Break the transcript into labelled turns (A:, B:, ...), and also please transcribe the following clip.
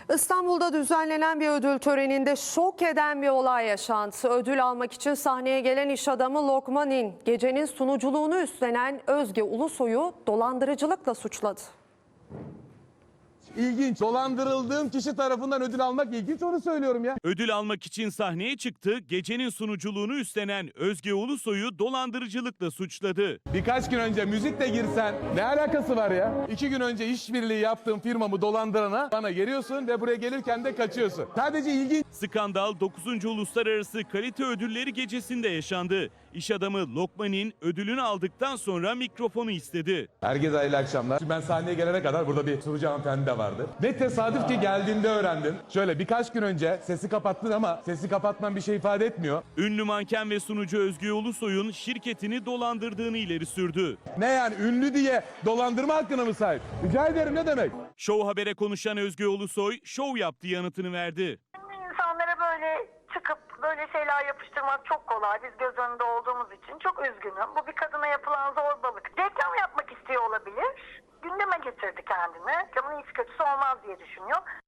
A: İstanbul'da düzenlenen bir ödül töreninde şok eden bir olay yaşandı. Ödül almak için sahneye gelen iş adamı Lokman'in gecenin sunuculuğunu üstlenen Özge Ulusoy'u dolandırıcılıkla suçladı.
B: İlginç. Dolandırıldığım kişi tarafından ödül almak ilginç, onu söylüyorum ya.
C: Ödül almak için sahneye çıktı, gecenin sunuculuğunu üstlenen Özge Ulusoy'u dolandırıcılıkla suçladı.
B: Birkaç gün önce müzikle girsen ne alakası var ya? 2 gün önce işbirliği yaptığım firmamı dolandırana bana geliyorsun ve buraya gelirken de kaçıyorsun. Sadece ilginç.
C: Skandal 9. Uluslararası Kalite Ödülleri gecesinde yaşandı. İş adamı Lokman'in ödülünü aldıktan sonra mikrofonu istedi.
B: Herkese hayırlı akşamlar. Ben sahneye gelene kadar burada bir sunucu hanımefendi de vardı. Ne tesadüf ki geldiğinde öğrendim. Şöyle birkaç gün önce sesi kapattın ama sesi kapatman bir şey ifade etmiyor.
C: Ünlü manken ve sunucu Özge Ulusoy'un şirketini dolandırdığını ileri sürdü.
B: Ne yani, ünlü diye dolandırma hakkına mı sahip? Rica ederim, ne demek?
C: Show Haber'e konuşan Özge Ulusoy, şov yaptı yanıtını verdi.
D: İnsanlara böyle çıkıp böyle şeyler yapıştırmak çok kolay. Biz göz önünde olduğumuz için çok üzgünüm. Bu bir kadına yapılan zorbalık. Reklam yapmak istiyor olabilir. Gündeme getirdi kendini. Reklamın iyisi kötüsü olmaz diye düşünüyor.